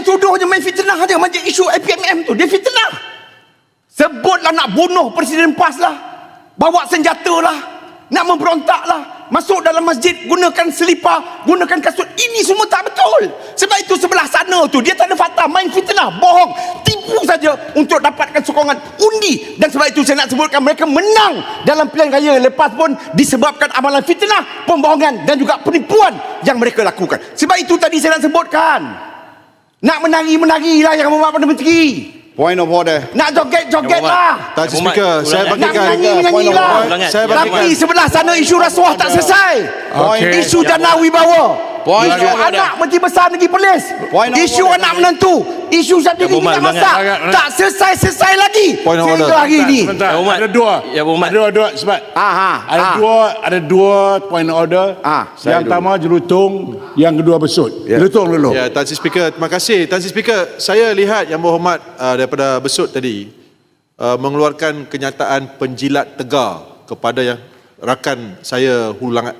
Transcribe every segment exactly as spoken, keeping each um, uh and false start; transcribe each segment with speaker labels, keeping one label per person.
Speaker 1: main tuduh je, main fitnah je. Macam isu A P M M tu, dia fitnah. Sebutlah nak bunuh Presiden PAS lah, bawa senjata lah, nak memberontak lah, masuk dalam masjid gunakan selipar, gunakan kasut. Ini semua tak betul. Sebab itu sebelah sana tu dia tak ada fakta, main fitnah, bohong, tipu saja untuk dapatkan sokongan undi. Dan sebab itu saya nak sebutkan, mereka menang dalam pilihan raya lepas pun disebabkan amalan fitnah, pembohongan dan juga penipuan yang mereka lakukan. Sebab itu tadi saya nak sebutkan, nak menari-menarilah yang membuat Perdana Menteri.
Speaker 2: Point of order.
Speaker 1: Nak joget-joget lah.
Speaker 2: Tak speaker, saya
Speaker 1: Nak
Speaker 2: bagikan.
Speaker 1: menyanyi-menyanyi lah.
Speaker 2: Saya bagikan.
Speaker 1: Tapi sebelah sana isu rasuah tak selesai.
Speaker 2: Okay.
Speaker 1: Isu jana wibawa.
Speaker 2: Point
Speaker 1: Isu
Speaker 2: of
Speaker 1: anak Menteri Besar Negeri Perlis. Isu anak menantu. Isu satu diri nak masak. Tak selesai-selesai lagi.
Speaker 2: Point of order.
Speaker 1: Sehingga hari ni.
Speaker 3: Ada dua.
Speaker 4: Ya, Muhammad.
Speaker 3: Ada dua sebab.
Speaker 1: Aha,
Speaker 3: Ada
Speaker 1: ah.
Speaker 3: dua, ada dua point of order.
Speaker 1: Ah,
Speaker 3: yang pertama jelutung, yang kedua besut.
Speaker 2: Ya.
Speaker 3: Jelutung dulu.
Speaker 2: Ya, Tan Sri Speaker, terima kasih. Tan Sri Speaker, saya lihat Yang Berhormat uh, daripada besut tadi uh, mengeluarkan kenyataan penjilat tegar kepada yang rakan saya Hulu Langat.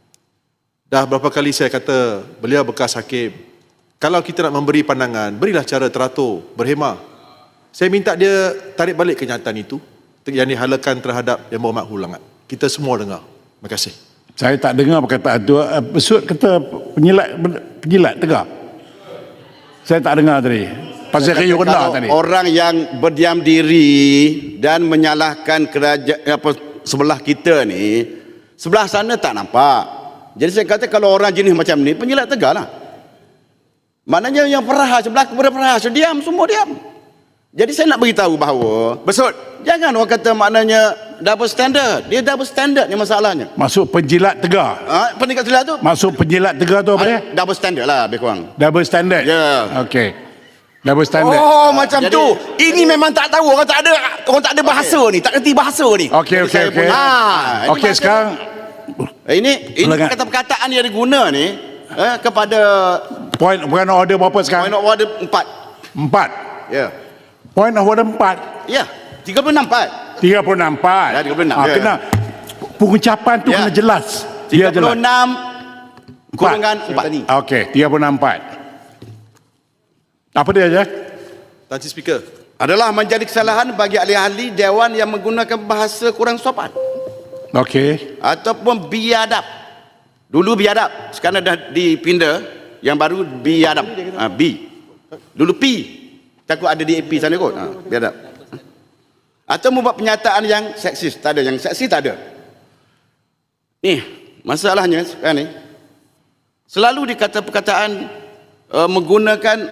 Speaker 2: Dah berapa kali saya kata beliau bekas hakim. Kalau kita nak memberi pandangan, berilah cara teratur, berhemah. Saya minta dia tarik balik kenyataan itu yang dihalakan terhadap Yang Berhormat Hulu Langat. Kita semua dengar. Terima kasih.
Speaker 3: Saya tak dengar perkataan tu. Uh, Besut kata penjilat penjilat tegar. Saya tak dengar tadi. Pasal kayu rendah tadi.
Speaker 5: Orang yang berdiam diri dan menyalahkan kerajaan apa sebelah kita ni, sebelah sana tak nampak. Jadi saya kata kalau orang jenis macam ni, penjilat tegar lah. Maknanya yang perahas, sebelah kepada perahas, diam, semua diam. Jadi saya nak beritahu bahawa,
Speaker 1: Besut,
Speaker 5: jangan orang kata maknanya double standard. Dia double standard ni masalahnya.
Speaker 3: Masuk penjilat tegar.
Speaker 5: Ha, pendekat silat tu,
Speaker 3: Masuk penjilat tegar tu apa dia?
Speaker 5: double standard lah lebih kurang.
Speaker 3: Double standard.
Speaker 5: Ya.
Speaker 3: Okey. Double standard.
Speaker 1: oh macam
Speaker 5: Jadi-
Speaker 1: tu. Ini memang tak tahu. Orang tak ada, orang tak ada bahasa ni. Tak kerti bahasa ni.
Speaker 3: Okey okey
Speaker 5: Saya
Speaker 3: okey.
Speaker 5: punya- Ah, ini
Speaker 3: Okey
Speaker 5: bahasa-
Speaker 3: sekarang
Speaker 5: Eh, Ini ini
Speaker 3: Silakan.
Speaker 5: kata-perkataan yang diguna ni eh, kepada
Speaker 3: point point of order berapa sekarang?
Speaker 5: point of order empat.
Speaker 3: Empat.
Speaker 5: Ya.
Speaker 3: Point of order empat.
Speaker 5: Ya, tiga puluh enam empat.
Speaker 3: Tiga puluh enam empat.
Speaker 5: Ya, tiga puluh enam,
Speaker 3: Ah,
Speaker 5: ya.
Speaker 3: kena pengucapan tu
Speaker 5: Ya.
Speaker 3: kena jelas. Dia
Speaker 5: tiga puluh
Speaker 3: jelas.
Speaker 5: enam kurungan empat.
Speaker 3: Okey, tiga puluh enam empat. Apa dia je?
Speaker 2: Tan Sri Speaker.
Speaker 5: Adalah menjadi kesalahan bagi ahli-ahli dewan yang menggunakan bahasa kurang sopan
Speaker 3: Okey.
Speaker 5: ataupun biadab. Dulu biadab, sekarang dah dipindah yang baru biadab. Ha, B. Dulu P. Takut ada di A P sana kot. Ha, biadab. Atau membuat pernyataan yang seksis. Tak ada, yang seksis tak ada. Ni, masalahnya sekarang ni, selalu dikata perkataan uh, menggunakan